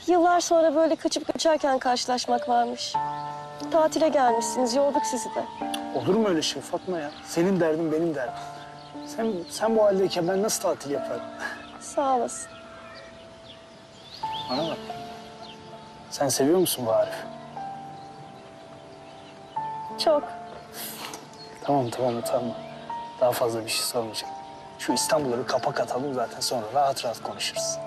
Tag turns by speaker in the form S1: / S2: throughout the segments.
S1: Yıllar sonra böyle kaçıp göçerken karşılaşmak varmış. Tatile gelmişsiniz, yorduk sizi de.
S2: Olur mu öyle şey Fatma ya? Senin derdin benim derdim. Sen bu haldeyken ben nasıl tatil yaparım?
S1: Sağ olasın.
S2: Bana bak. Sen seviyor musun bu Arif'i?
S1: Çok.
S2: Tamam utanma. Daha fazla bir şey sormayacağım. Şu İstanbul'a bir kapak atalım zaten sonra rahat rahat konuşuruz.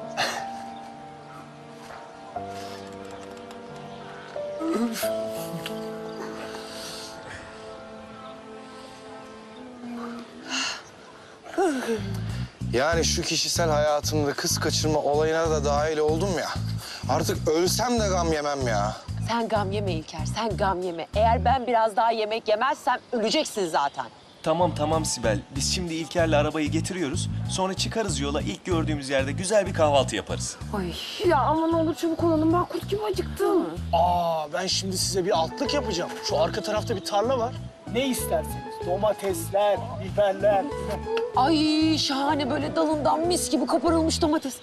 S3: Yani şu kişisel hayatımda kız kaçırma olayına da dahil oldum ya. Artık ölsem de gam yemem ya.
S4: Sen gam yeme İlker, sen gam yeme. Eğer ben biraz daha yemek yemezsem öleceksin zaten.
S5: Tamam Sibel. Biz şimdi İlker'le arabayı getiriyoruz. Sonra çıkarız yola. İlk gördüğümüz yerde güzel bir kahvaltı yaparız.
S4: Ay.
S6: Ya ama ne olur çabuk olalım. Ben kurt gibi acıktım.
S2: Ben şimdi size bir altlık yapacağım. Şu arka tarafta bir tarla var. Ne isterseniz. Domatesler, biberler.
S4: Ay şahane böyle dalından mis gibi koparılmış domates.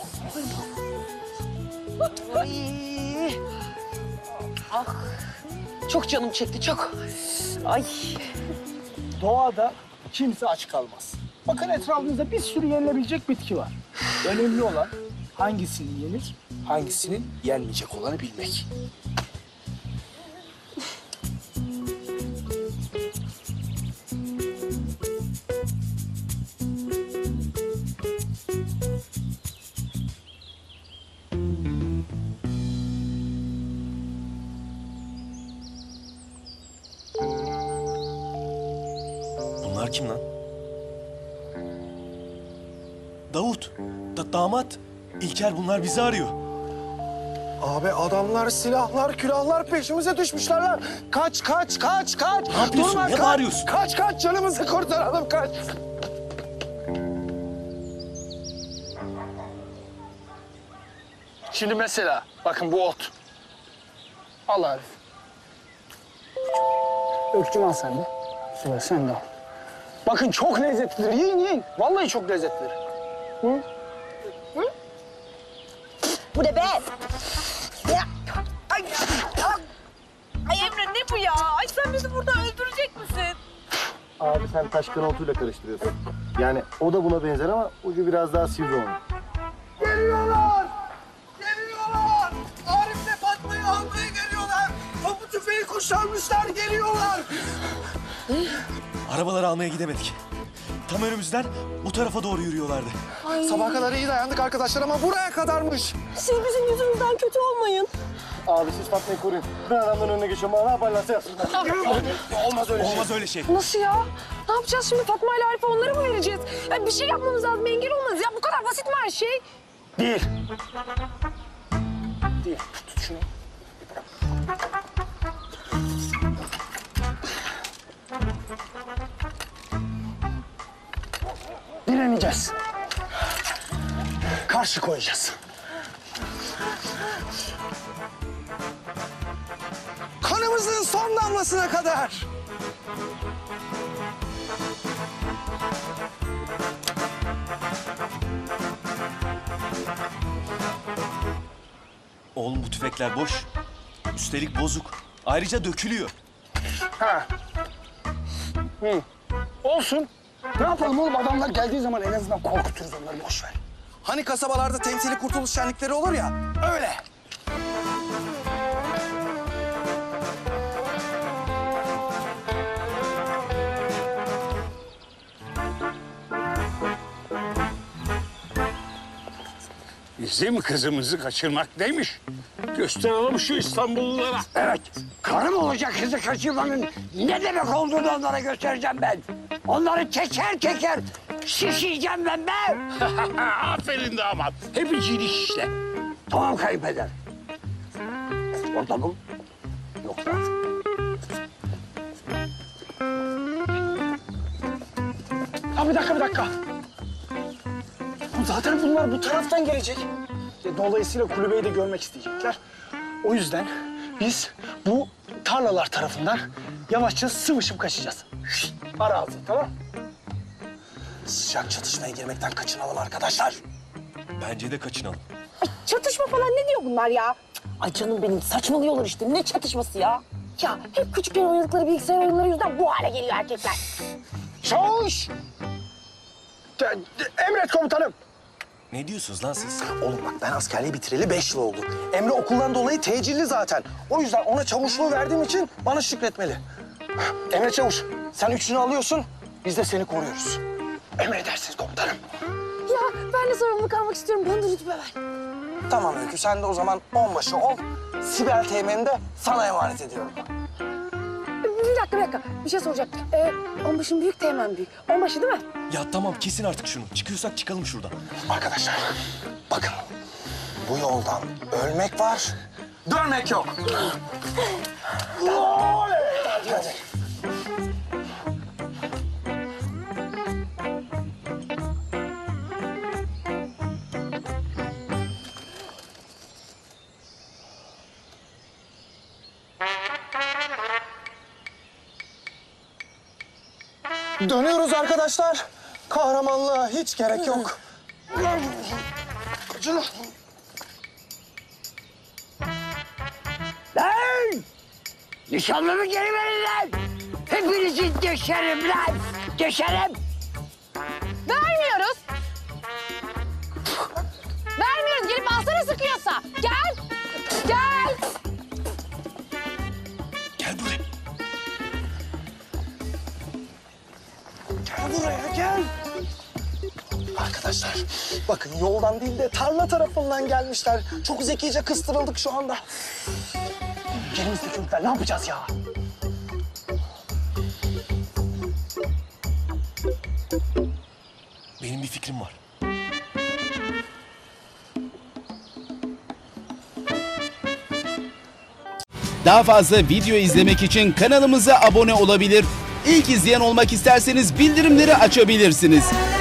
S4: Ay. Ah. Çok canım çekti, çok. Ay.
S2: Doğada kimse aç kalmaz. Bakın etrafınızda bir sürü yenilebilecek bitki var. Önemli olan hangisinin yenir, hangisinin yenmeyecek olanı bilmek.
S5: Bunlar kim lan? Davut, damat. İlker bunlar bizi arıyor.
S3: Abi adamlar silahlar, külahlar peşimize düşmüşler lan. Kaç.
S5: Ne yapıyorsun?
S3: Durma,
S5: Ne
S3: kaç.
S5: bağırıyorsun?
S3: Kaç canımızı kurtaralım kaç.
S2: Şimdi mesela bakın bu ot. Al Arif. Öykücüm al sen de. Süper sen de al. Bakın çok lezzetlidir. Yiyin. Vallahi çok lezzetlidir.
S4: Bu ne be? Ya. Ay. Ay Emre ne bu ya? Ay sen bizi burada öldürecek misin?
S7: Abi sen taş kanaltıyla karıştırıyorsun. Yani o da buna benzer ama ucu biraz daha sivri onun.
S3: Geliyorlar! Arif'le Fatma'yı almaya geliyorlar. Topu tüfeği kuşanmışlar, geliyorlar.
S5: Arabaları almaya gidemedik. Tam önümüzden bu tarafa doğru yürüyorlardı.
S3: Sabaha kadar iyi dayandık arkadaşlar ama buraya kadarmış.
S1: Siz bizim yüzümüzden kötü olmayın.
S7: Abi siz Fatma'yı koruyun. Ben adamların önüne geçiyorum. Bana ne yaparlarsa yapsınlar.
S3: Olmaz öyle şey.
S5: Olmaz öyle şey.
S6: Nasıl ya? Ne yapacağız şimdi? Fatma ile Arif'e onları mı vereceğiz? Ya bir şey yapmamız lazım. Engel olmaz ya. Bu kadar basit mi her şey?
S2: Değil. Tut şunu. Direneceğiz. Karşı koyacağız.
S3: Kanımızın son damlasına kadar.
S5: Oğlum bu tüfekler boş. Üstelik bozuk. Ayrıca dökülüyor.
S2: Olsun. Ne yapalım oğlum adamlar geldiği zaman en azından korkuturuz onları boş ver.
S3: Hani kasabalarda temsili kurtuluş şenlikleri olur ya, öyle.
S8: Bizim kızımızı kaçırmak neymiş? Gösterelim şu İstanbullulara.
S9: Evet, karım olacak kızı kaçırmanın ne demek olduğunu onlara göstereceğim ben. Onları teker teker şişeceğim ben be.
S8: Aferin damat. Hepicilik işte.
S9: Tamam kayınpeder. Orada mı? Yoksa.
S2: Ha bir dakika. Zaten bunlar bu taraftan gelecek. Dolayısıyla kulübeyi de görmek isteyecekler. O yüzden biz bu tarlalar tarafından yavaşça sıvışıp kaçacağız. Ara ağzını, tamam?
S3: Sıcak çatışmaya girmekten kaçınalım arkadaşlar.
S5: Bence de kaçınalım.
S6: Ay, çatışma falan ne diyor bunlar ya?
S4: Ay canım benim saçmalıyorlar işte. Ne çatışması ya?
S6: Ya hep küçükken oynadıkları bilgisayar oyunları yüzünden bu hale geliyor erkekler.
S2: Çavuş! Emret komutanım.
S5: Ne diyorsunuz lan siz?
S3: Oğlum bak ben askerliği bitireli 5 yıl oldu. Emre okuldan dolayı tecilli zaten. O yüzden ona çavuşluğu verdiğim için bana şükretmeli. Emre Çavuş, sen 3'ünü alıyorsun, biz de seni koruyoruz.
S2: Emredersiniz komutanım.
S6: Ya ben de sorumluluk almak istiyorum. Bana da rütbe ver.
S3: Tamam Öykü, sen de o zaman onbaşı ol. Sibel Teğmen'i de sana emanet ediyorum.
S6: Bir dakika. Bir şey soracağım. Onbaşın büyük, Teğmen büyük. Onbaşı değil mi?
S5: Ya tamam kesin artık şunu. Çıkıyorsak çıkalım şuradan.
S3: Arkadaşlar, bakın. Bu yoldan ölmek var, dönmek yok. Hadi. Dönüyoruz arkadaşlar. Kahramanlığa hiç gerek yok.
S9: Lan! Nişanlımı geri verin lan! Hepinizi deşerim lan! Deşerim!
S6: Vermiyoruz. Vermiyoruz. Gelip alsana sıkıyorsa. Gel. Gel.
S5: Gel buraya.
S3: Gel buraya gel. Arkadaşlar bakın yoldan değil de tarla tarafından gelmişler. Çok zekice kıstırıldık şu anda.
S2: Elimizde çocuklar ne yapacağız ya?
S5: Benim bir fikrim var.
S10: Daha fazla video izlemek için kanalımıza abone olabilir. İlk izleyen olmak isterseniz bildirimleri açabilirsiniz.